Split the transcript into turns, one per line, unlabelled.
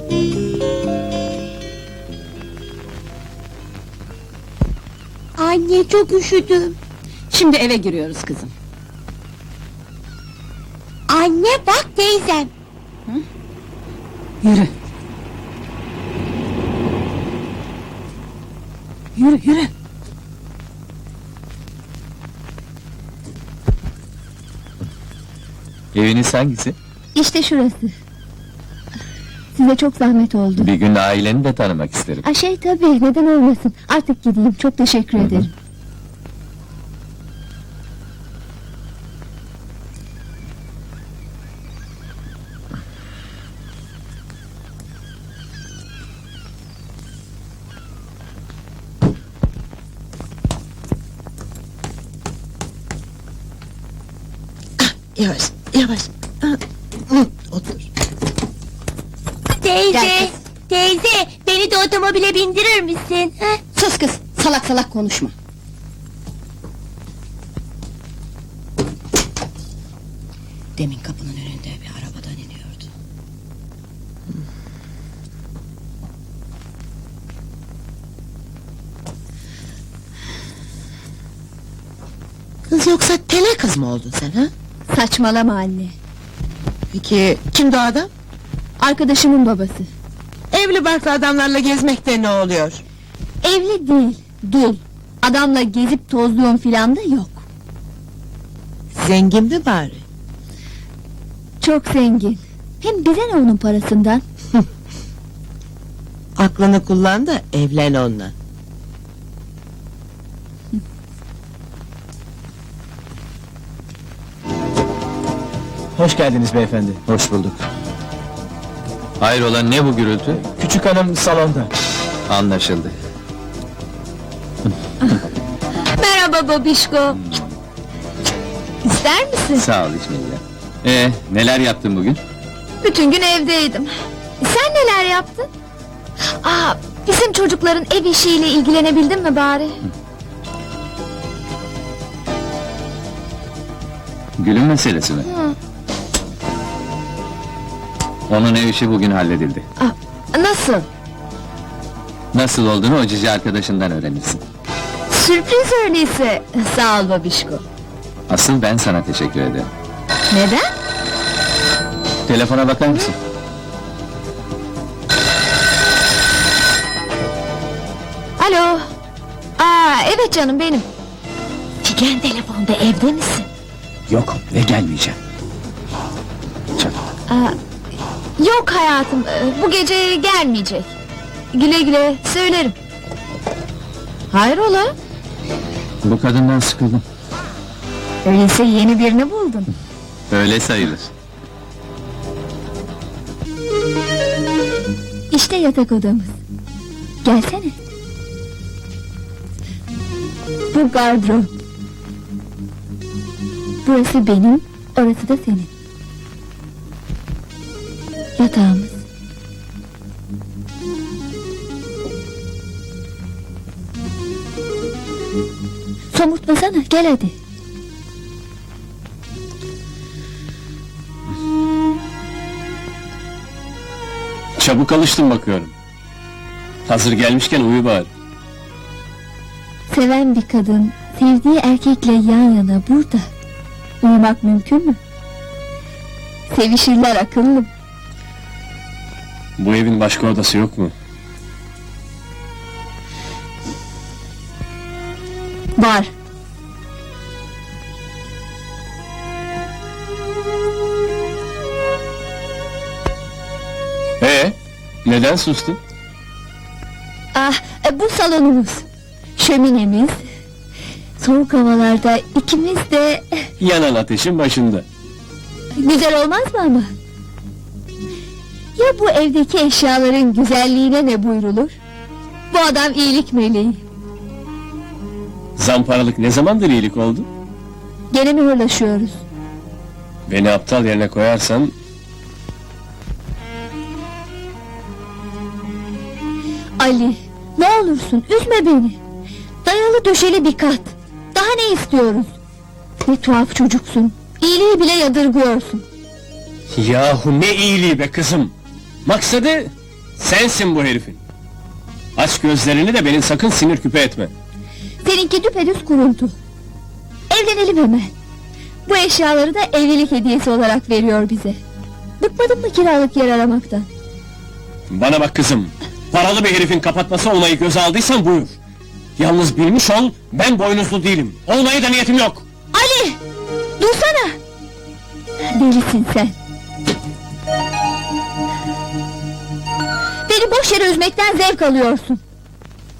Anne, çok üşüdüm.
Şimdi eve giriyoruz kızım.
Anne bak teyzem.
Yürü. Yürü, yürü.
Eviniz hangisi?
İşte şurası. Size çok zahmet oldu.
Bir gün aileni de tanımak isterim.
Tabii, neden olmasın. Artık gideyim, çok teşekkür ederim.
Yavaş, yavaş. Otur.
Teyze,
Gel
teyze, beni de otomobile bindirir misin? Ha?
Sus kız, salak salak konuşma. Demin kapının önünde bir arabadan iniyordu.
Kız yoksa tele kız mı oldun sen ha?
Saçmalama anne.
Peki kimdi o adam?
Arkadaşımın babası.
Evli barklı adamlarla gezmekte ne oluyor?
Evli değil, dul. Adamla gezip tozluğum filan da yok.
Zengin mi bari?
Çok zengin. Hem bize ne onun parasından?
Aklını kullan da evlen onunla.
Hoş geldiniz beyefendi.
Hoş bulduk. Hayrola, ne bu gürültü?
Küçük hanım salonda.
Anlaşıldı.
Merhaba babişko. İster misin?
Sağ ol İsmail'le. Neler yaptın bugün?
Bütün gün evdeydim. Sen neler yaptın? Bizim çocukların ev işiyle ilgilenebildin mi bari?
Gül'ün meselesi mi? Onun ev işi bugün halledildi.
Nasıl?
Nasıl olduğunu o cici arkadaşından öğrenirsin.
Sürpriz öyleyse. Sağ ol babişko.
Asıl ben sana teşekkür ederim.
Neden?
Telefona bakar mısın?
Alo. Evet canım benim. Figen telefonda, evde misin?
Yok ve gelmeyeceğim.
Yok hayatım, bu gece gelmeyecek. Güle güle, söylerim. Hayrola?
Bu kadından sıkıldım.
Öyleyse yeni birini buldun.
Öyle sayılır.
İşte yatak odamız. Gelsene. Bu gardırop. Burası benim, orası da senin. Yatağımız. Somurtmasana, gel hadi.
Çabuk alıştım bakıyorum. Hazır gelmişken uyu bari.
Seven bir kadın, sevdiği erkekle yan yana burada. Uyumak mümkün mü? Sevişirler akıllım.
Bu evin başka odası yok mu?
Var.
Neden sustun?
Bu salonumuz. Şöminemiz. Soğuk havalarda ikimiz de...
Yanan ateşin başında.
Güzel olmaz mı ama? Ya bu evdeki eşyaların güzelliğine ne buyrulur? Bu adam iyilik meleği.
Zamparalık ne zamandır iyilik oldu?
Gene mi hırlaşıyoruz?
Beni aptal yerine koyarsan...
Ali, ne olursun üzme beni. Dayalı döşeli bir kat. Daha ne istiyoruz? Ne tuhaf çocuksun. İyiliği bile yadırgıyorsun.
Yahu ne iyiliği be kızım! Maksadı Sensin bu herifin. Aç gözlerini de beni sakın sinir küpe etme.
Seninki düpedüz kuruntu. Evlenelim hemen. Bu eşyaları da evlilik hediyesi olarak veriyor bize. Bıkmadın mı kiralık yer aramaktan?
Bana bak kızım, paralı bir herifin kapatması olmayı göze aldıysan buyur. Yalnız bilmiş ol, ben boynuzlu değilim. Olmaya da niyetim yok.
Ali! Dursana! Delisin sen. Beni boş yere üzmekten zevk alıyorsun.